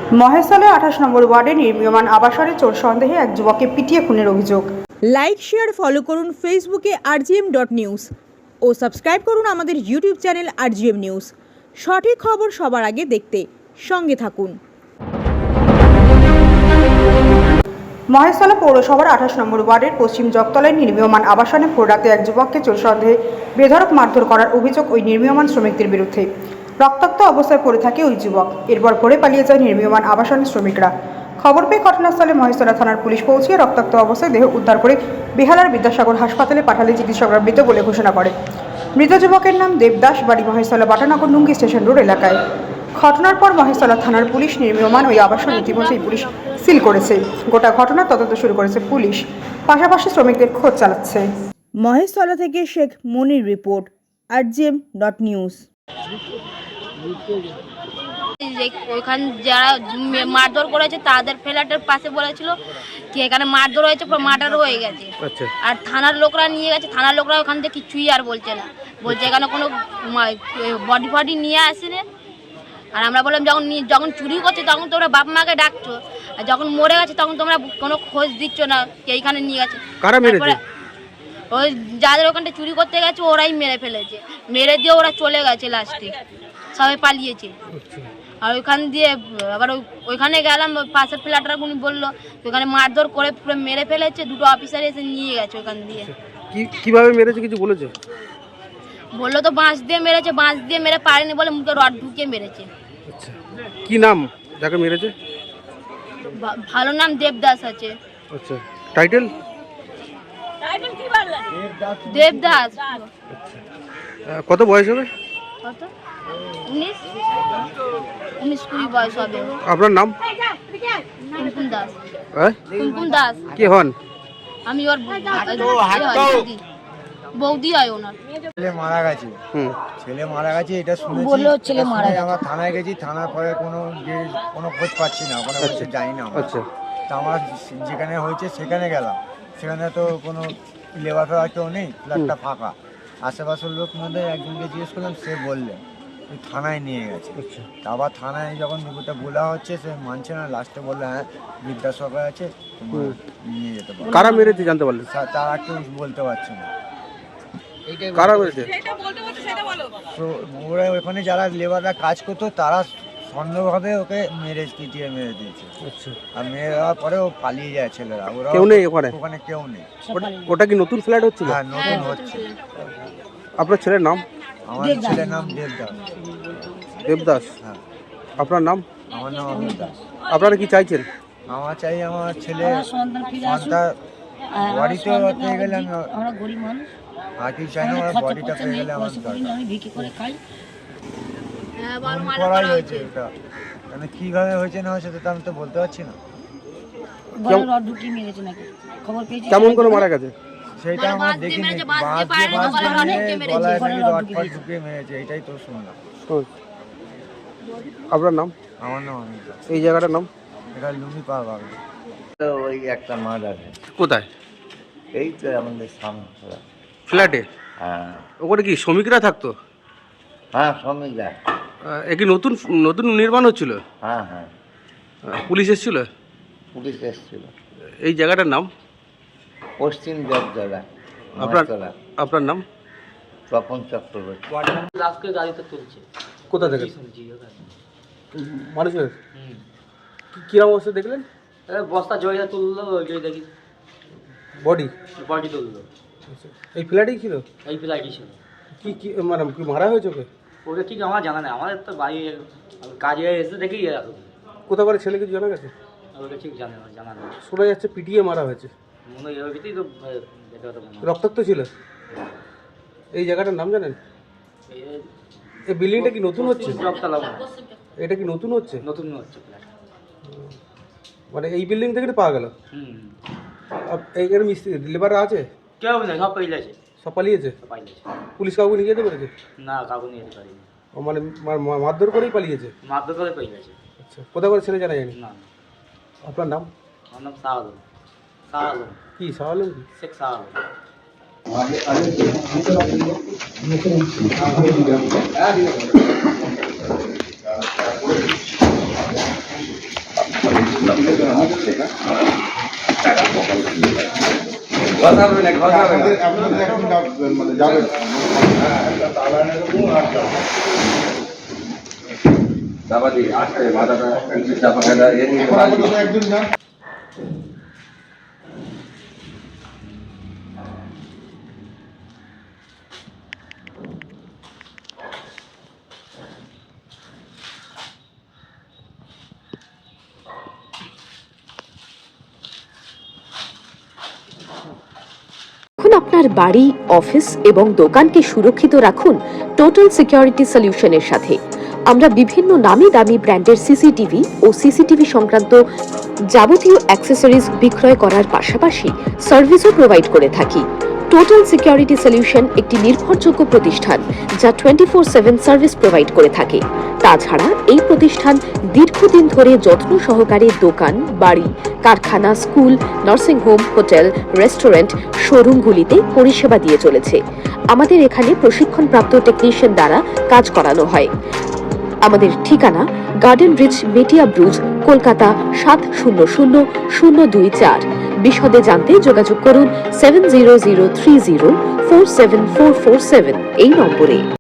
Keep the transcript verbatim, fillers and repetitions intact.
মহেশতলা আঠাশ নম্বর ওয়ার্ডে নির্মীয়মান আবাসনে চোর সন্দেহে এক যুবককে পিটিয়ে খুনের অভিযোগ। লাইক শেয়ার ফলো করুন ফেসবুকে আরজিএম ডট নিউজ ও সাবস্ক্রাইব করুন আমাদের ইউটিউব চ্যানেল আরজিএম নিউজ। সঠিক খবর সবার আগে দেখতে সঙ্গে থাকুন। মহেশতলা পৌরসভার আঠাশ নম্বর ওয়ার্ডের পশ্চিম জগতলায় নির্মীয়মান আবাসনে ভোররাতে এক যুবককে চোর সন্দেহে বেধড়ক মারধর করার অভিযোগ ওই নির্মীয়মান শ্রমিকদের বিরুদ্ধে। রক্তাক্ত অবস্থায় পড়ে থাকে ওই যুবক। এরপর ভোরে পালিয়ে যায় নির্মীয়মান আবাসনের শ্রমিকরা। খবর পেয়ে ঘটনাস্থলে মহেশতলা থানার পুলিশ পৌঁছে রক্তাক্ত অবস্থায় দেহ উদ্ধার করে বেহালার বিদ্যাসাগর হাসপাতালে পাঠালে চিকিৎসকরা মৃত বলে ঘোষণা করে। মৃত যুবকের নাম দেবদাস, বাড়ি মহেশতলা বাটানগর নুঙ্গি স্টেশন রোড এলাকায়। ঘটনার পর মহেশতলা থানার পুলিশ নির্মীয়মান ওই আবাসন ইতিমধ্যেই পুলিশ সিল করেছে। গোটা ঘটনার তদন্ত শুরু করেছে পুলিশ, পাশাপাশি শ্রমিকদের খোঁজ চালাচ্ছে। মহেশতলা থেকে Sheikh Monir report, RGM dot news. ওইখানে যারা মারধর করেছে তাদের ফ্ল্যাটের পাশে বলেছিল কি এখানে মারধর হয়েছে, পুরো মার্ডার হয়ে গেছে। আর থানার লোকরা নিয়ে গেছে, থানার লোকরা ওখান থেকে কিছুই আর বলছে না, বলছে এখানে কোনো বডি ফডি নিয়ে আসেনি। আর আমরা বললাম যখন যখন চুরি করছে তখন তোমরা বাপ মাকে ডাকছো, আর যখন মরে গেছে তখন তোমরা কোনো খোঁজ দিচ্ছ না এইখানে নিয়ে গেছে। ওই যাদের ওখানটা চুরি করতে গেছে ওরাই মেরে ফেলেছে, মেরে দিয়ে ওরা চলে গেছে, লাস্টে সবাই পালিয়েছে। আর ওইখান দিয়ে আবার ওইখানে গেলাম, পাশের ফ্ল্যাটরা উনি বললো ওইখানে মারধর করে পুরো মেরে ফেলেছে, দুটো অফিসার এসে নিয়ে গেছে ওইখান দিয়ে। কিভাবে মেরেছে কিছু বলেছে? বললো তো বাঁশ দিয়ে মেরেছে, বাঁশ দিয়ে মেরে পারেনি বলে মুখে রড ঢুকিয়ে মেরেছে। আচ্ছা, কি নাম যাকে মেরেছে? ভালো নাম দেবদাস আছে। আচ্ছা, টাইটেল? দেবদাস। কত বয়স হবে? কত? উনিশ উনিশ কুড়ি বয়স হবে। আপনার নাম? কুমকুম দাস। হ্যাঁ, কুমকুম দাস। কে হন? আমি ওর বৌদি হয় ওনার। ছেলে মারা গেছে। হুম, ছেলে মারা গেছে এটা শুনেছি। বললো ছেলে মারা গেছে। আমরা থানায় গেছি, থানার পরে কোনো যে কোনো খোঁজ পাচ্ছি না, ওখানে বলছে যাই না। আচ্ছা, তা আমরা যেখানে হয়েছে সেখানে গেলাম, সেখানে তো কোনো লেবার ফেবার কেউ নেই, ফ্ল্যাটটা ফাঁকা। আশেপাশের লোক মধ্যে একজনকে জিজ্ঞেস করলাম, সে বললেন ওই থানায় নিয়ে গেছে। আবার থানায় যখন দুপুরটা বলা হচ্ছে সে মানছে না, লাস্টে বললো হ্যাঁ বিদ্যাসাগর আছে, তোমার নিয়ে যেতে পারো। কারা মেরেছে জানতে পারলেন? তারা কেউ বলতে পারছে না। কারা মেরেছে? তো ওরা ওখানে যারা লেবাররা কাজ করতো তারা সন্দেহভাবে ওকে মেরে পিটিয়ে মেরে দিয়েছে। আচ্ছা, আর মেরে দেওয়ার পরে ও পালিয়ে যায় ছেলেরা। ওরা কেউ নেই ওখানে? ওখানে কেউ নেই। ওটা কি নতুন ফ্ল্যাট হচ্ছিল? হ্যাঁ, নতুন হচ্ছে। আপনার ছেলের নাম? আমার ছেলের নাম দেবদাস। দেবদাস? হ্যাঁ। আপনার নাম? আমার নাম অমিত দাস। আপনারা কি চাইছেন? আমার চাই আমার ছেলে সন্তান বাড়িতে পেয়ে গেলে আমি আমরা গরিব মানুষ, আর কি চাই না, আমার বডিটা পেয়ে গেলে আমার দরকার। আমি ভিক্ষে করে খাই। খুন করাই হয়েছে এটা, মানে কিভাবে হয়েছে না হয়েছে সেটা আমি তো বলতে পারছি না। গলায় রড ঢুকিয়ে মেরেছে নাকি খবর পেয়েছি। কেমন করে মারা গেছে সেইটা আমরা দেখিনি। বাঁশ দিয়ে বাঁশ দিয়ে গলায় নাকি রড ফড ঢুকিয়ে মেরেছে, এটাই তো শুনলাম। আপনার নাম? আমার নাম অমিত দাস। এই জায়গাটার নাম? এটা লুমি পাওয়া পাবে। ওই একটা মাঠ আছে, কোথায়? এই তো আমাদের সামনে ফ্ল্যাটে? হ্যাঁ ওখানে কি শ্রমিকরা থাকতো? হ্যাঁ শ্রমিক যায়। এ কি নতুন নতুন নির্মাণ হচ্ছিল? হ্যাঁ হ্যাঁ, পুলিশ এসেছিল? পুলিশ এসেছিল। এই জায়গাটার নাম? পশ্চিম জগতলা। আপনার আপনার নাম? তপন চক্রবর্তী। লাস্টকে গাড়িতে তুলছে। কোথা থেকে? শুনছি ওখানে মানুষের কিরম অবস্থা দেখলেন? বস্তা জয়টা তুললো, ওই দেখি বডি বডি তুললো। এই ফ্ল্যাটেই ছিল? এই ফ্লাইটই ছিল। কি কি মানে কি মারা হয়েছে ওকে? ওটা ঠিক আমার জানা নেই, আমাদের তো বাড়ি কাজে এসে দেখি এরকম। কোথা করে ছেলে কিছু জানা গেছে? ওটা ঠিক জানে না, জানা নেই। শোনা যাচ্ছে পিটিয়ে মারা হয়েছে। মনে হয় এর ভিতরেই তো এটা তো মনে হয়। রক্তাক্ত ছিল? এই জায়গাটার নাম জানেন? এই- এই বিল্ডিংটা কি নতুন হচ্ছে? জগতলা মনে হয়। এটা কি নতুন হচ্ছে? নতুন হচ্ছে ফ্ল্যাট। মানে এই বিল্ডিং থেকে পাওয়া গেল? হুম, এইখানে মিস্ত্রি লেবার আছে? কেউ নেই, সব পেয়ে যাচ্ছে, সব পালিয়েছে? সব পাইলেছে। পুলিশ কাউকে নিয়ে যেতে পেরেছে? না, কাউকে নিয়ে যেতে পারিনি। ও মানে মা- মা- মারধর করেই পালিয়েছে? মারধর করে পেয়ে গেছে। আচ্ছা, কোথা করে ছেলে জানা যায়নি? না, আপনার নাম? আমার নাম শাহ আলম। শাহ আলম, কি শাহ আলম? কি শেখ শাহ আলম। আগে আগে এখন আপনার বাড়ি, অফিস এবং দোকানকে সুরক্ষিত রাখুন টোটাল সিকিউরিটি সলিউশনের সাথে। আমরা বিভিন্ন নামি দামি ব্র্যান্ডের সিসিটিভি ও সিসিটিভি সংক্রান্ত যাবতীয় অ্যাক্সেসরিজ বিক্রয় করার পাশাপাশি সার্ভিসও প্রোভাইড করে থাকি। টোটাল সিকিউরিটি সলিউশন একটি নির্ভরযোগ্য প্রতিষ্ঠান যা twenty four seven service provide করে থাকে। তাছাড়া এই প্রতিষ্ঠান দীর্ঘদিন ধরে যত্ন সহকারে দোকান, বাড়ি, কারখানা, school, nursing home, hotel, restaurant, শোরুমগুলিতে পরিষেবা দিয়ে চলেছে। আমাদের এখানে প্রশিক্ষণপ্রাপ্ত টেকনিশিয়ান দ্বারা কাজ করানো হয়। আমাদের ঠিকানা Garden Reach, Metiabruz, Kolkata সাত শূন্য শূন্য শূন্য দুই চার। বিশদে জানতে যোগাযোগ করুন seven zero zero three zero four seven four four seven এই নম্বরে।